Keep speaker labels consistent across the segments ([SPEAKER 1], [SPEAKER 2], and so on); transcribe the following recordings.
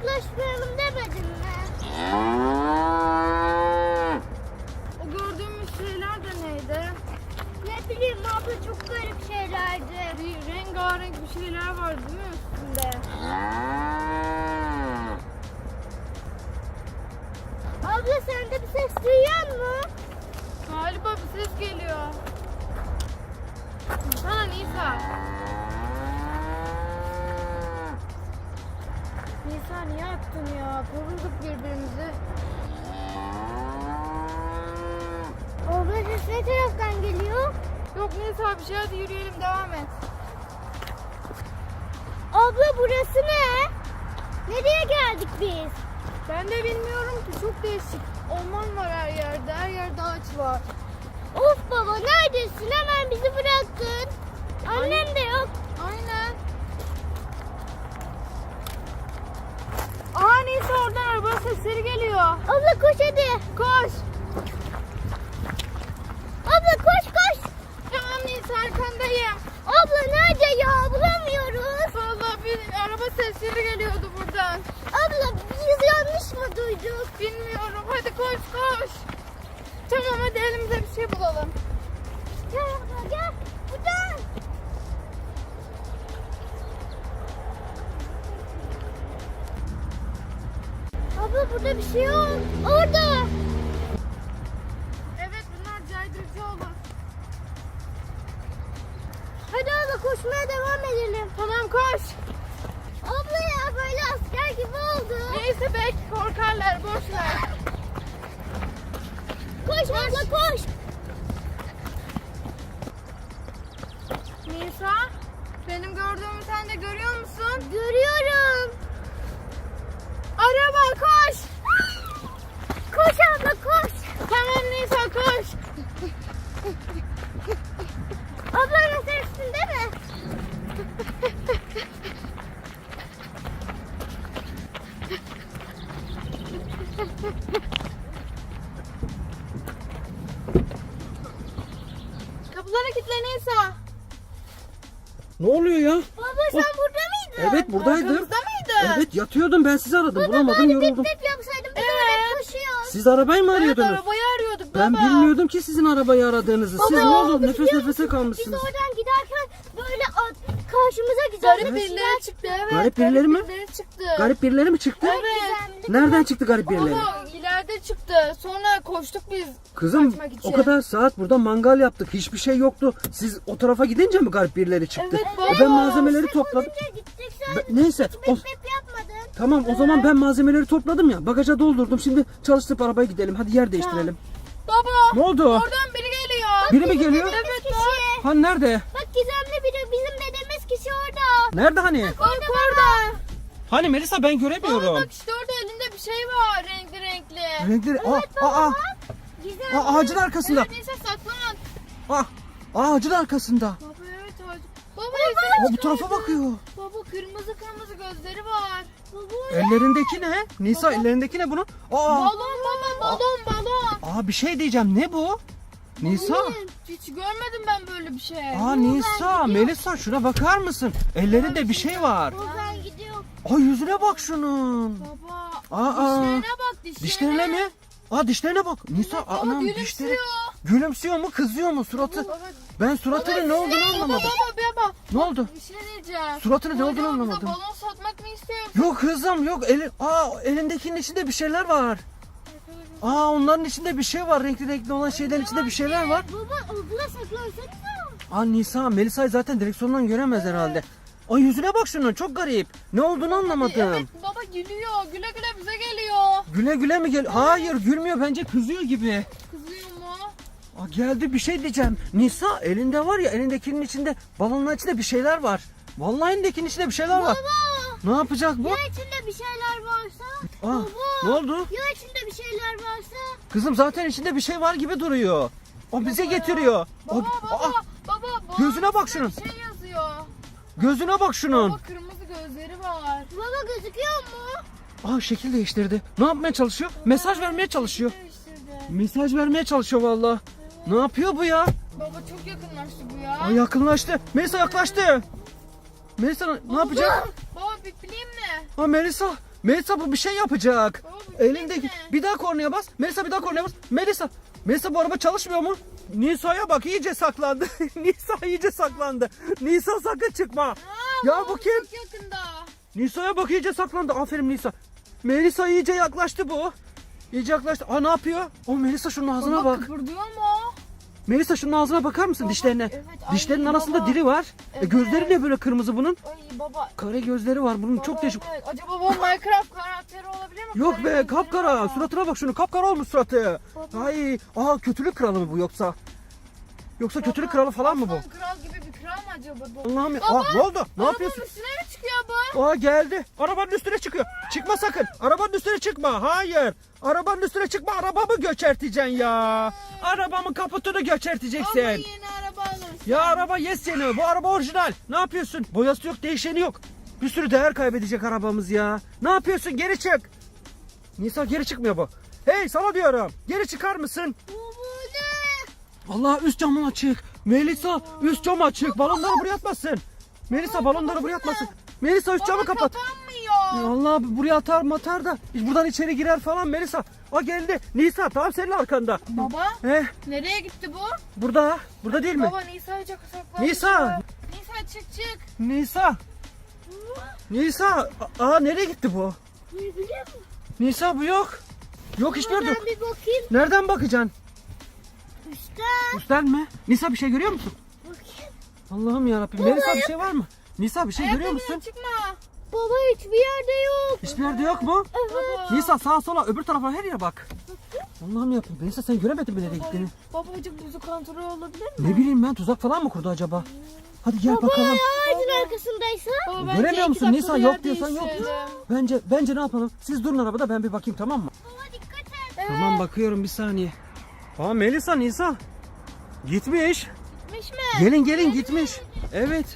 [SPEAKER 1] yaklaşmayalım demedim mi?
[SPEAKER 2] O gördüğümüz şeyler de neydi?
[SPEAKER 1] Ne bileyim abla, çok garip şeylerdi.
[SPEAKER 2] Bir rengarenk bir şeyler var değil mi üstünde?
[SPEAKER 1] Abla sen de bir ses duyuyor musun?
[SPEAKER 2] Galiba bir ses geliyor. Sana Nisa. Nisa niye attın ya? Korulduk birbirimizi.
[SPEAKER 1] Abla ses ne taraftan geliyor?
[SPEAKER 2] Yok Nisa bir şey, hadi yürüyelim, devam et.
[SPEAKER 1] Abla burası ne? Nereye geldik biz?
[SPEAKER 2] Ben de bilmiyorum ki, çok değişik. Orman var her yerde, her yerde ağaç var.
[SPEAKER 1] Of baba, neredesin? Hemen bizi bıraktın. Annem de yok.
[SPEAKER 2] Aynen. Aa Nisa, oradan araba sesleri geliyor.
[SPEAKER 1] Abla koş hadi.
[SPEAKER 2] Koş.
[SPEAKER 1] Abla koş koş.
[SPEAKER 2] Tamam Nisa, arkandayım.
[SPEAKER 1] Abla nerede ya? Bulamıyoruz.
[SPEAKER 2] Vallahi bir araba sesleri geliyordu buradan.
[SPEAKER 1] Abla biz yanlış mı duyduk?
[SPEAKER 2] Bilmiyorum, hadi koş koş. Tamam hadi elimize bir şey bulalım.
[SPEAKER 1] Gel abla gel. Buradan. Abla burada bir şey yok. Orada.
[SPEAKER 2] Evet, bunlar caydırıcı olur.
[SPEAKER 1] Hadi abla koşmaya devam edelim.
[SPEAKER 2] Tamam koş.
[SPEAKER 1] Abla ya böyle asker gibi oldu.
[SPEAKER 2] Neyse belki korkarlar, boş ver.
[SPEAKER 1] Koş abla koş.
[SPEAKER 2] Nisa, benim gördüğümü sen de görüyor musun?
[SPEAKER 1] Görüyorum.
[SPEAKER 2] Araba koş.
[SPEAKER 1] Koş abla koş.
[SPEAKER 2] Tamam Nisa, koş.
[SPEAKER 1] Abla nasıl üstünde mi?
[SPEAKER 2] Kapıları kilitle Nisa.
[SPEAKER 3] Ne oluyor ya?
[SPEAKER 1] Baba sen burada mıydın?
[SPEAKER 3] Evet buradaydım.
[SPEAKER 2] Arkamızda mıydı?
[SPEAKER 3] Evet yatıyordum, ben sizi aradım, bulamadım,
[SPEAKER 1] Bari
[SPEAKER 3] yoruldum.
[SPEAKER 1] bip bip yapsaydım biz oraya koşuyoruz.
[SPEAKER 3] Siz arabayı mı
[SPEAKER 2] Evet,
[SPEAKER 3] arıyordunuz?
[SPEAKER 2] arabayı arıyorduk baba.
[SPEAKER 3] Ben bilmiyordum ki sizin arabayı aradığınızı. Siz ne oldu? Nefes
[SPEAKER 1] biliyor
[SPEAKER 3] nefese
[SPEAKER 1] musun? Biz
[SPEAKER 3] kalmışsınız.
[SPEAKER 1] oradan giderken böyle karşımıza güzel
[SPEAKER 2] Garip birileri çıktı, evet.
[SPEAKER 3] Garip birileri mi?
[SPEAKER 2] birileri çıktı.
[SPEAKER 3] Garip birileri mi çıktı?
[SPEAKER 2] Evet.
[SPEAKER 3] Nereden çıktı garip birileri?
[SPEAKER 2] Baba ileride çıktı. Sonra koştuk biz.
[SPEAKER 3] Kızım
[SPEAKER 2] kaçmak için.
[SPEAKER 3] o kadar saat burada mangal yaptık. Hiçbir şey yoktu. Siz o tarafa gidince mi garip birileri çıktı?
[SPEAKER 2] Evet, baba.
[SPEAKER 3] Ben malzemeleri topladım.
[SPEAKER 1] Gittik sen
[SPEAKER 3] Neyse.
[SPEAKER 1] bip bip yapmadın.
[SPEAKER 3] Tamam o zaman ben malzemeleri topladım ya. Bagaja doldurdum. Şimdi çalıştırıp arabaya gidelim. Hadi yer değiştirelim.
[SPEAKER 2] Baba.
[SPEAKER 3] Ne oldu?
[SPEAKER 2] Oradan biri geliyor.
[SPEAKER 3] Biri mi geliyor?
[SPEAKER 2] Evet
[SPEAKER 1] Kişi.
[SPEAKER 2] bak.
[SPEAKER 3] Ha nerede?
[SPEAKER 1] Bak gizemli biri, bizim dediğimiz kişi orada.
[SPEAKER 3] Nerede hani?
[SPEAKER 2] Orada.
[SPEAKER 3] Hani Melisa ben
[SPEAKER 2] Baba
[SPEAKER 3] göremiyorum.
[SPEAKER 2] bak işte orada elinde bir şey var. Renkli renkli.
[SPEAKER 3] Renkleri
[SPEAKER 1] Gizemli.
[SPEAKER 3] ağacın arkasında.
[SPEAKER 2] Evet neyse saklan.
[SPEAKER 3] Ağacın arkasında.
[SPEAKER 2] Baba evet ağacı. Baba
[SPEAKER 3] Bu tarafa bakıyor.
[SPEAKER 2] Baba kırmızı kırmızı gözleri var.
[SPEAKER 3] Ellerindeki ne? Nisa ellerindeki ne bunun?
[SPEAKER 2] Balon baba balon.
[SPEAKER 3] Bir şey diyeceğim. Ne bu? Nisa.
[SPEAKER 2] Hiç görmedim ben böyle bir şey.
[SPEAKER 3] Nisa, Melisa şuna bakar mısın? Ellerinde bir şey var.
[SPEAKER 1] Ben gidiyorum.
[SPEAKER 3] Yüzüne bak şunun.
[SPEAKER 2] Baba dişlerine bak dişlerine.
[SPEAKER 3] Dişlerine mi? Dişlerine bak. Nisa
[SPEAKER 2] Baba
[SPEAKER 3] anam
[SPEAKER 2] gülümsüyor.
[SPEAKER 3] dişleri. Gülümsüyor mu? Kızıyor mu suratı?
[SPEAKER 2] Baba,
[SPEAKER 3] Ben suratının ne olduğunu anlamadım.
[SPEAKER 2] Baba.
[SPEAKER 3] Ne oldu?
[SPEAKER 2] Bir şey diyeceğim.
[SPEAKER 3] Suratının ne olduğunu
[SPEAKER 2] Hocam, bize
[SPEAKER 3] anlamadım.
[SPEAKER 2] balon satmak mı istiyorsun?
[SPEAKER 3] Yok kızım yok. Elindekinin içinde bir şeyler var. Onların içinde bir şey var. Renkli renkli olan şeylerin içinde bir şeyler var.
[SPEAKER 1] Baba abla saklansanıza.
[SPEAKER 3] Nisa, Melisa'yı zaten direksiyondan göremez herhalde. Yüzüne bak şunun, çok garip. Ne olduğunu anlamadım.
[SPEAKER 2] Evet baba gülüyor. Güle güle bize geliyor.
[SPEAKER 3] Güle güle mi gel? Hayır, gülmüyor, bence kızıyor gibi.
[SPEAKER 2] Kızıyor mu?
[SPEAKER 3] Geldi, bir şey diyeceğim. Nisa elinde var ya, elindekinin içinde, balonun içinde bir şeyler var. Vallahi elindekinin içinde bir şeyler var. Ne yapacak bu?
[SPEAKER 1] Ya içinde bir şeyler varsa?
[SPEAKER 3] Ne oldu?
[SPEAKER 1] Ya içinde bir şeyler varsa?
[SPEAKER 3] Kızım zaten içinde bir şey var gibi duruyor. O bize getiriyor.
[SPEAKER 2] Baba
[SPEAKER 3] Gözüne bak şunun.
[SPEAKER 2] Bir şey yazıyor.
[SPEAKER 3] Gözüne bak şunun.
[SPEAKER 2] Baba kırmızı gözleri var.
[SPEAKER 1] Baba gözüküyor mu?
[SPEAKER 3] Şekil değiştirdi. Ne yapmaya çalışıyor? Mesaj vermeye çalışıyor.
[SPEAKER 2] Değiştirdi.
[SPEAKER 3] Mesaj vermeye çalışıyor vallahi. Ne yapıyor bu ya?
[SPEAKER 2] Baba çok yakınlaştı bu ya.
[SPEAKER 3] Yakınlaştı. Melisa yaklaştı. Melisa ne yapacak?
[SPEAKER 2] Baba bipleyeyim mi?
[SPEAKER 3] Melisa. Melisa bu bir şey yapacak.
[SPEAKER 2] Baba, bu
[SPEAKER 3] Elindeki
[SPEAKER 2] ne?
[SPEAKER 3] bir daha kornaya bas. Melisa bir daha kornaya bas. Melisa bu araba çalışmıyor mu? Nisa'ya bak iyice saklandı. Nisa iyice saklandı. Nisa sakın çıkma. Ya bu kim?
[SPEAKER 2] Çok yakında.
[SPEAKER 3] Nisa'ya bak iyice saklandı. Aferin Nisa. Melisa iyice yaklaştı bu. İyice yaklaştı. Aa ne yapıyor? O Melisa şunun ağzına
[SPEAKER 2] Baba
[SPEAKER 3] bak.
[SPEAKER 2] kıpırdıyor mu?
[SPEAKER 3] Melisa şunun ağzına bakar mısın
[SPEAKER 2] Baba,
[SPEAKER 3] dişlerine?
[SPEAKER 2] evet, ay,
[SPEAKER 3] Dişlerinin arasında
[SPEAKER 2] baba.
[SPEAKER 3] dili var.
[SPEAKER 2] Evet.
[SPEAKER 3] Gözleri ne böyle kırmızı bunun?
[SPEAKER 2] Ay baba.
[SPEAKER 3] Kare gözleri var bunun çok
[SPEAKER 2] Baba,
[SPEAKER 3] değişik.
[SPEAKER 2] evet. Acaba bu Minecraft karakteri olabilir mi?
[SPEAKER 3] Yok
[SPEAKER 2] Kare
[SPEAKER 3] be
[SPEAKER 2] gözleri
[SPEAKER 3] kapkara.
[SPEAKER 2] var.
[SPEAKER 3] Suratına bak şunu. Kapkara olmuş suratı. Ay, kötülük kralı mı bu yoksa? Yoksa kötülük kralı falan mı bu?
[SPEAKER 2] Aslan kral gibi bir kral mı acaba bu?
[SPEAKER 3] Allah'ım ya.
[SPEAKER 2] Baba,
[SPEAKER 3] Ne oldu? Ne
[SPEAKER 2] Arabanın
[SPEAKER 3] yapıyorsun?
[SPEAKER 2] üstüne mi çıkıyor bu?
[SPEAKER 3] Geldi. Arabanın üstüne çıkıyor. Çıkma sakın. Arabanın üstüne çıkma. Hayır. Arabanın üstüne çıkma. Arabamı göçerteceksin ya. Arabamın kaputunu göçerteceksin.
[SPEAKER 2] Ama yeni araba alırsın.
[SPEAKER 3] Ya araba yes yeni. Bu araba orijinal. Ne yapıyorsun? Boyası yok, değişeni yok. Bir sürü değer kaybedecek arabamız ya. Ne yapıyorsun? Geri çık. Nisa geri çıkmıyor bu. Hey sana diyorum. Geri çıkar mısın? Allah üst camın açık. Melisa üst cam açık. Balonları buraya atmasın. Melisa balonları buraya atmasın. Melisa üst camı
[SPEAKER 2] Baba
[SPEAKER 3] kapat.
[SPEAKER 2] kapanmıyor.
[SPEAKER 3] Allah buraya atar matar da buradan içeri girer falan Melisa. O geldi. Nisa tam senin arkanda.
[SPEAKER 2] Baba nereye gitti bu?
[SPEAKER 3] Burada değil mi?
[SPEAKER 2] Baba Nisa'yı çok saklanmış.
[SPEAKER 3] Nisa.
[SPEAKER 2] Nisa çık.
[SPEAKER 3] Nisa. Nereye gitti bu?
[SPEAKER 1] Ne biliyor musun?
[SPEAKER 3] Nisa bu yok. Yok hiçbir yerde yok.
[SPEAKER 1] Ben bir bakayım.
[SPEAKER 3] Nereden bakacaksın?
[SPEAKER 1] Üstten.
[SPEAKER 3] Üstten mi? Nisa bir şey görüyor musun?
[SPEAKER 1] Bakayım.
[SPEAKER 3] Allah'ım yarabbim. Melisa bir şey var mı? Nisa bir şey görüyor musun?
[SPEAKER 2] Ayakkabıyla çıkma.
[SPEAKER 1] Baba hiçbir yerde yok.
[SPEAKER 3] Hiçbir yerde yok mu?
[SPEAKER 1] Evet.
[SPEAKER 3] Nisa sağa sola öbür tarafa her yere bak. Allah'ım yarabbim. Nisa sen göremedin mi nereye gittiğini?
[SPEAKER 2] Babacık buzu kontrol olabilir mi?
[SPEAKER 3] Ne bileyim ben tuzak falan mı kurdu acaba? Hadi gel bakalım.
[SPEAKER 1] Ağacın arkasındaysa.
[SPEAKER 2] Baba,
[SPEAKER 3] Göremiyor
[SPEAKER 2] bence
[SPEAKER 3] musun?
[SPEAKER 2] 2
[SPEAKER 3] Nisa
[SPEAKER 2] dakika
[SPEAKER 3] yok
[SPEAKER 2] yer
[SPEAKER 3] diyorsan yok.
[SPEAKER 2] değiştirelim.
[SPEAKER 3] Bence ne yapalım? Siz durun arabada ben bir bakayım tamam mı?
[SPEAKER 1] Baba dikkat et.
[SPEAKER 3] Tamam bakıyorum bir saniye. Melisa Nisa. Gitmiş.
[SPEAKER 2] Gitmiş mi?
[SPEAKER 3] Gelin gitmiş. Evet.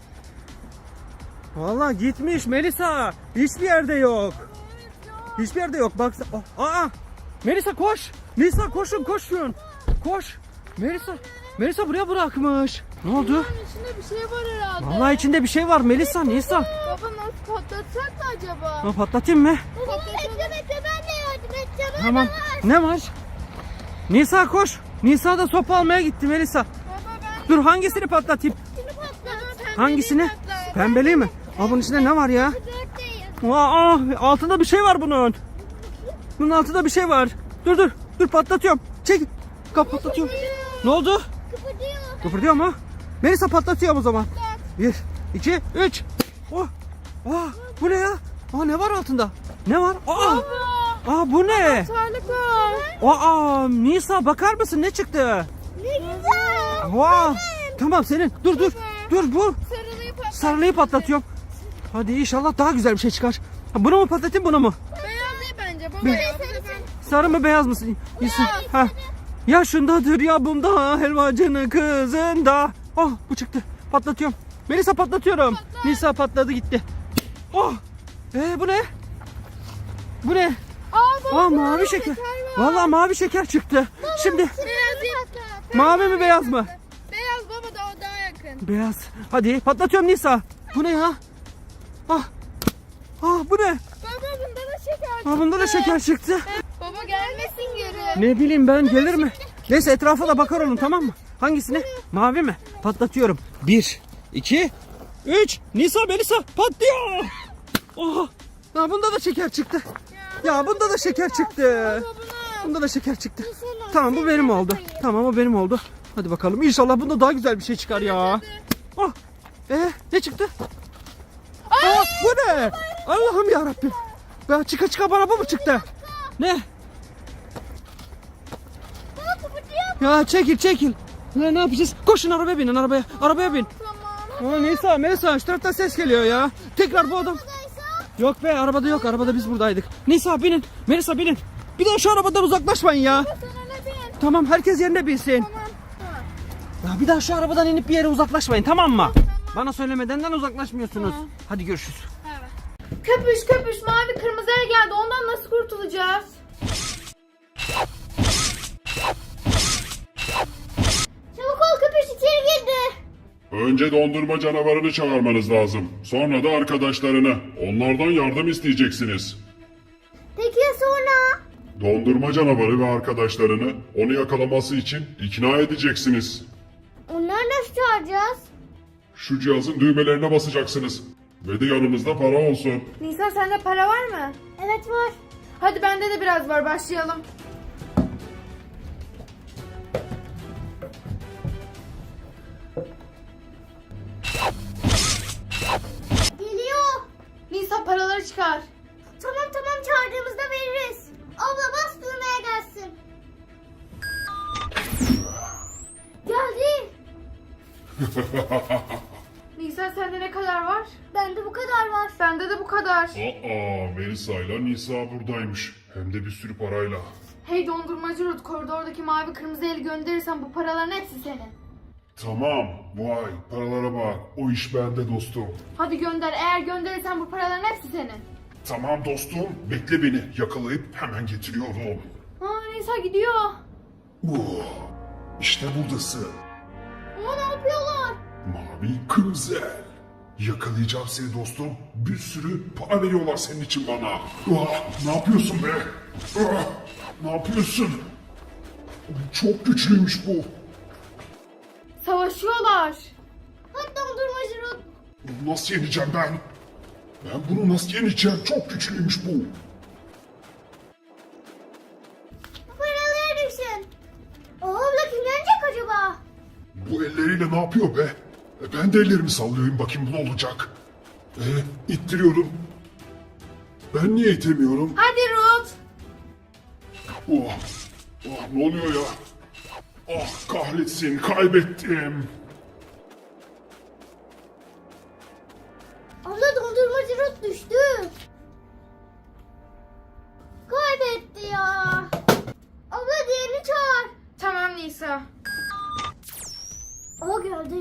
[SPEAKER 3] Vallahi gitmiş Melisa. Hiçbir yerde yok. Hiçbir yerde yok. Bak. Melisa koş. Nisa koşun. Koş. Melisa buraya bırakmış. Ne oldu?
[SPEAKER 2] Bunun içinde bir şey var herhalde.
[SPEAKER 3] Vallahi içinde bir şey var Melisa. Nisa.
[SPEAKER 2] Baba nasıl patlatsak da acaba?
[SPEAKER 3] Patlatayım mı?
[SPEAKER 1] Baba bekle ben de yardım edeceğim.
[SPEAKER 3] Tamam. Ne var? Nisa koş. Nisa da sopa almaya gitti Melisa.
[SPEAKER 2] Baba ben
[SPEAKER 3] Dur hangisini patlatayım?
[SPEAKER 1] Şunu patlat.
[SPEAKER 3] Hangisini? Pembeli mi? Bunun içinde ne var ya?
[SPEAKER 1] Dörtteyiz.
[SPEAKER 3] Altında bir şey var bunun. Bunun altında bir şey var. Dur patlatıyorum. Çek. Patlatıyorum. Ne oldu?
[SPEAKER 1] Kıpırdıyor.
[SPEAKER 3] Kıpırdıyor mu? Melisa patlatıyorum o zaman. 1, 2, 3. Bu ne ya? Ne var altında? Ne var? Bu ne?
[SPEAKER 2] Sarlık var.
[SPEAKER 3] Nisa bakar mısın ne çıktı?
[SPEAKER 1] Ne güzel.
[SPEAKER 3] Tamam senin. Dur bu.
[SPEAKER 2] Sarılıyı patlat.
[SPEAKER 3] Sarılıyı patlatıyorum. Hadi inşallah daha güzel bir şey çıkar. Bunu mu patlatayım bunu mu?
[SPEAKER 2] Beyaz değil bence baba ya. Bu sefer
[SPEAKER 3] Sarı mı beyaz mı? Ha. Ya şundadır ya bunda helvacının kızında. Bu çıktı. Patlatıyorum. Melisa patlatıyorum. Nisa patladı gitti. Bu ne? Bu ne?
[SPEAKER 2] baba.
[SPEAKER 3] Mavi şeker. Vallahi mavi şeker çıktı. Şimdi
[SPEAKER 2] Beyaz değil.
[SPEAKER 3] mavi mi beyaz mı?
[SPEAKER 2] Beyaz baba da o daha yakın.
[SPEAKER 3] Beyaz. Hadi patlatıyorum Nisa. Bu ne ya? Bu ne?
[SPEAKER 2] Baba bunda da şeker çıktı.
[SPEAKER 3] Bunda da şeker çıktı.
[SPEAKER 2] Baba gelmesin geri.
[SPEAKER 3] Ne bileyim ben gelir mi? Neyse etrafa da bakar olun tamam mı? Hangisini? Mavi mi? Patlatıyorum. 1, 2, 3. Nisa Melisa patlıyor. Bunda da şeker çıktı. Ya bunda da şeker çıktı. Bunda da şeker çıktı. Tamam bu benim oldu. Tamam o benim oldu. Hadi bakalım inşallah bunda daha güzel bir şey çıkar ya. Ne çıktı? Bu ne? Allah'ım yarabbim. Ya çıka bana bu mu çıktı? Ne?
[SPEAKER 1] Baba kıpırdıyor.
[SPEAKER 3] Ya çekil. Ne yapacağız? Koşun arabaya binin arabaya. Arabaya bin.
[SPEAKER 2] Tamam.
[SPEAKER 3] Melisa şu taraftan ses geliyor ya. Tekrar bu adam. Yok be arabada yok. Arabada biz buradaydık. Nisa binin. Melisa binin. Bir daha şu arabadan uzaklaşmayın ya.
[SPEAKER 2] Sana ne bin?
[SPEAKER 3] Tamam herkes yerine binsin.
[SPEAKER 2] Tamam.
[SPEAKER 3] Ya bir daha şu arabadan inip bir yere uzaklaşmayın tamam mı? Bana söylemedenden uzaklaşmıyorsunuz. Hadi görüşürüz.
[SPEAKER 2] Köpüş mavi kırmızıya geldi. Ondan nasıl kurtulacağız?
[SPEAKER 1] Çabuk ol köpüş içeri girdi.
[SPEAKER 4] Önce dondurma canavarını çağırmanız lazım. Sonra da arkadaşlarını. Onlardan yardım isteyeceksiniz. Dondurma canavarı ve arkadaşlarını onu yakalaması için ikna edeceksiniz.
[SPEAKER 1] Onları nasıl çağıracağız?
[SPEAKER 4] Şu cihazın düğmelerine basacaksınız. Ve de yanınızda para olsun.
[SPEAKER 2] Nisa sende para var mı?
[SPEAKER 1] Evet var.
[SPEAKER 2] Hadi bende de biraz var, başlayalım.
[SPEAKER 1] Geliyor.
[SPEAKER 2] Nisa paraları çıkar.
[SPEAKER 1] Tamam tamam çağırdığımızda veririz. Abla bas düğmeye gelsin. Geldi.
[SPEAKER 2] Nisa sende ne kadar var?
[SPEAKER 1] Bende bu kadar var.
[SPEAKER 2] Bende de bu kadar.
[SPEAKER 4] Aa, Melisa ile Nisa buradaymış. Hem de bir sürü parayla.
[SPEAKER 2] Hey dondurmacı Ruth, koridordaki mavi kırmızı eli gönderirsen bu paraların hepsi senin.
[SPEAKER 4] Tamam, vay paralara bak. O iş bende dostum.
[SPEAKER 2] Hadi gönder, eğer gönderirsen bu paraların hepsi senin.
[SPEAKER 4] Tamam dostum, bekle beni. Yakalayıp hemen getiriyorum.
[SPEAKER 2] Nisa gidiyor.
[SPEAKER 4] İşte buradasın.
[SPEAKER 1] Ama ne yapıyorlar?
[SPEAKER 4] Mavi kırmızı el. Yakalayacağım seni dostum. Bir sürü para veriyorlar senin için bana. Ne yapıyorsun be? Ne yapıyorsun? Çok güçlüymüş bu.
[SPEAKER 2] Savaşıyorlar.
[SPEAKER 1] Hadi dondurmacı Ruth.
[SPEAKER 4] Bunu nasıl yeneceğim ben? Ben bunu nasıl yeneceğim? Çok güçlüymüş bu.
[SPEAKER 1] Bu paraları düşün. O abla kim yenecek acaba?
[SPEAKER 4] Bu elleriyle ne yapıyor be? Ben de ellerimi sallıyorum bakayım bu ne olacak? İttiriyorum. Ben niye itemiyorum?
[SPEAKER 2] Hadi Ruth.
[SPEAKER 4] Ne oluyor ya? Ah kahretsin kaybettim.
[SPEAKER 1] Abla dondurmacı Ruth düştü. Kaybetti ya. Abla diğerini çağır.
[SPEAKER 2] Tamam Nisa.
[SPEAKER 1] O geldi.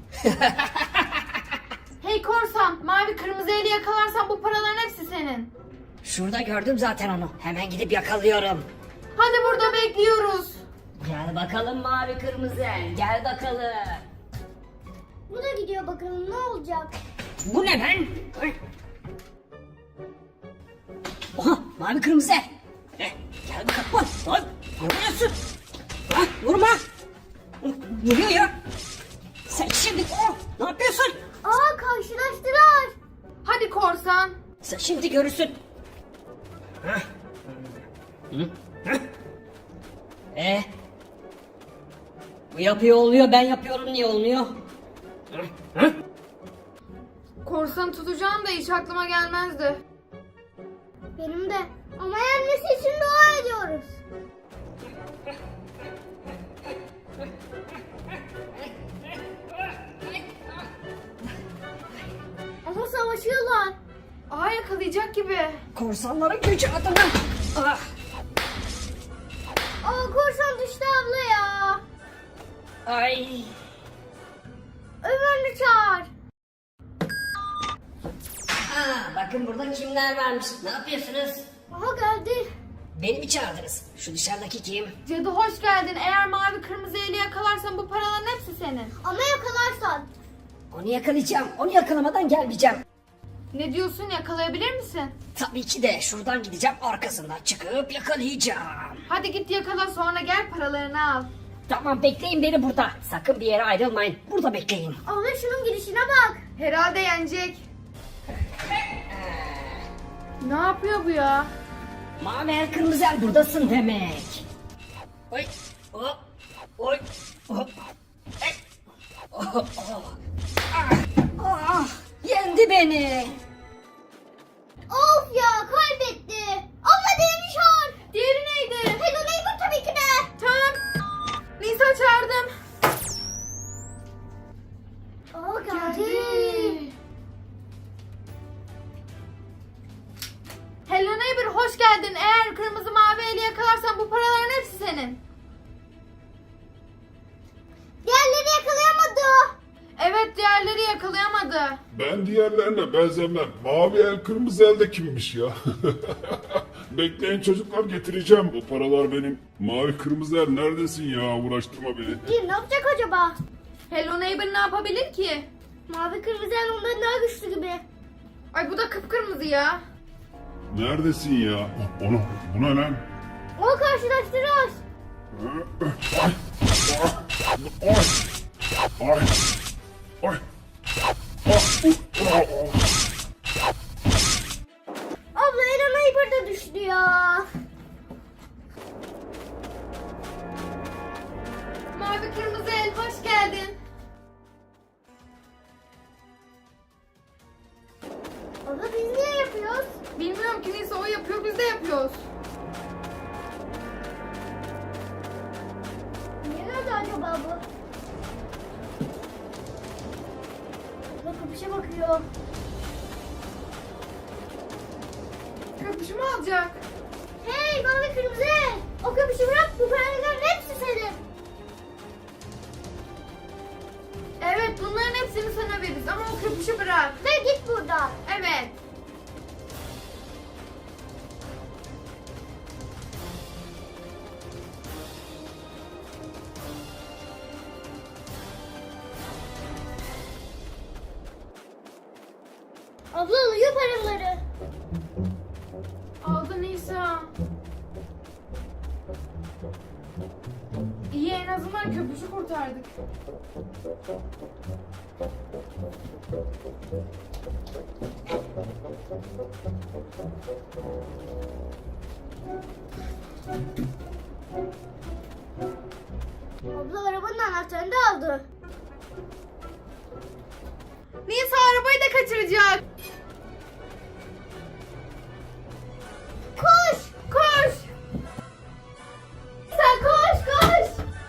[SPEAKER 2] Hey korsan, mavi kırmızı eli yakalarsan bu paraların hepsi senin.
[SPEAKER 5] Şurada gördüm zaten onu. Hemen gidip yakalıyorum.
[SPEAKER 2] Hadi burada bekliyoruz.
[SPEAKER 5] Gel bakalım mavi kırmızı. Gel bakalım.
[SPEAKER 1] Bu da gidiyor bakalım ne olacak.
[SPEAKER 5] Bu ne ben? Oha mavi kırmızı. Gel bakalım. Lan vuruyorsun. Vurma. Vuruyor ya. Sen şimdi ne yapıyorsun?
[SPEAKER 1] Aa karşılaştılar.
[SPEAKER 2] Hadi korsan.
[SPEAKER 5] Sen şimdi görürsün. Bu yapıyor oluyor, ben yapıyorum niye olmuyor?
[SPEAKER 2] Korsanı tutacağım da hiç aklıma gelmezdi.
[SPEAKER 1] Benim de. Ama yenmesi için dua ediyoruz. Ama savaşıyorlar.
[SPEAKER 2] Yakalayacak gibi.
[SPEAKER 5] Korsanların gücü adına. Ah.
[SPEAKER 1] Aa korsan düştü abla ya.
[SPEAKER 5] Ay.
[SPEAKER 1] Öbürünü çağır.
[SPEAKER 5] Bakın burada kimler varmış. Ne yapıyorsunuz?
[SPEAKER 1] Aha geldi.
[SPEAKER 5] Beni mi çağırdınız? Şu dışarıdaki kim?
[SPEAKER 2] Cadı hoş geldin. Eğer mavi kırmızı eli yakalarsan bu paraların hepsi senin.
[SPEAKER 1] Ama yakalarsan.
[SPEAKER 5] Onu yakalayacağım. Onu yakalamadan gelmeyeceğim.
[SPEAKER 2] Ne diyorsun, yakalayabilir misin?
[SPEAKER 5] Tabii ki de şuradan gideceğim, arkasından çıkıp yakalayacağım.
[SPEAKER 2] Hadi git yakala, sonra gel paralarını al.
[SPEAKER 5] Tamam bekleyin beni burada. Sakın bir yere ayrılmayın. Burada bekleyin.
[SPEAKER 1] Abla şunun gidişine bak.
[SPEAKER 2] Herhalde yenecek. Ne yapıyor bu ya?
[SPEAKER 5] Mavi el kırmızı el buradasın demek. Oy. Hop. Oy. Hop. Ey. Oh, oh. Yendi beni.
[SPEAKER 1] Of ya kaybetti. Abla diğerini çağır.
[SPEAKER 2] Diğeri neydi?
[SPEAKER 1] Hello Neighbor tabii ki de.
[SPEAKER 2] Tamam. Nisa çağırdım.
[SPEAKER 1] Aa geldi.
[SPEAKER 2] Hello Neighbor hoş geldin. Eğer kırmızı mavi eli yakalarsan bu paraların hepsi senin.
[SPEAKER 1] Diğerleri yakalayamadı.
[SPEAKER 2] Evet, diğerleri yakalayamadı.
[SPEAKER 4] Ben diğerlerine benzemem. Mavi el kırmızı el de kimmiş ya? Bekleyin çocuklar getireceğim. Bu paralar benim. Mavi kırmızı el neredesin ya? Uğraştırma beni.
[SPEAKER 1] Kim ne yapacak acaba?
[SPEAKER 2] Hello Neighbor ne yapabilir ki?
[SPEAKER 1] Mavi kırmızı el ondan daha güçlü gibi.
[SPEAKER 2] Ay bu da kıpkırmızı ya.
[SPEAKER 4] Neredesin ya? Bu ne lan?
[SPEAKER 1] karşılaştırıyoruz.
[SPEAKER 4] Ay. Ay. Ay.
[SPEAKER 1] Abla Eren Hyper da düştü ya.
[SPEAKER 2] Mavi kırmızı el hoş geldin.
[SPEAKER 1] Abla biz niye yapıyoruz?
[SPEAKER 2] Bilmiyorum ki neyse o yapıyor biz de yapıyoruz.
[SPEAKER 1] Niye nerede acaba bu? Abla kapışa bakıyor.
[SPEAKER 2] Köpüşü mü alacak?
[SPEAKER 1] Hey mavi kırmızı. O kapışı bırak, bu paraların hepsi senin.
[SPEAKER 2] Evet bunların hepsini sana veririz ama o köpüşü bırak.
[SPEAKER 1] Ve git buradan.
[SPEAKER 2] Evet.
[SPEAKER 1] Abla alıyor paraları.
[SPEAKER 2] Aldı Nisa. İyi en azından köpüşü kurtardık.
[SPEAKER 1] Abla arabanın anahtarını da aldı.
[SPEAKER 2] Nisa arabayı da kaçıracak.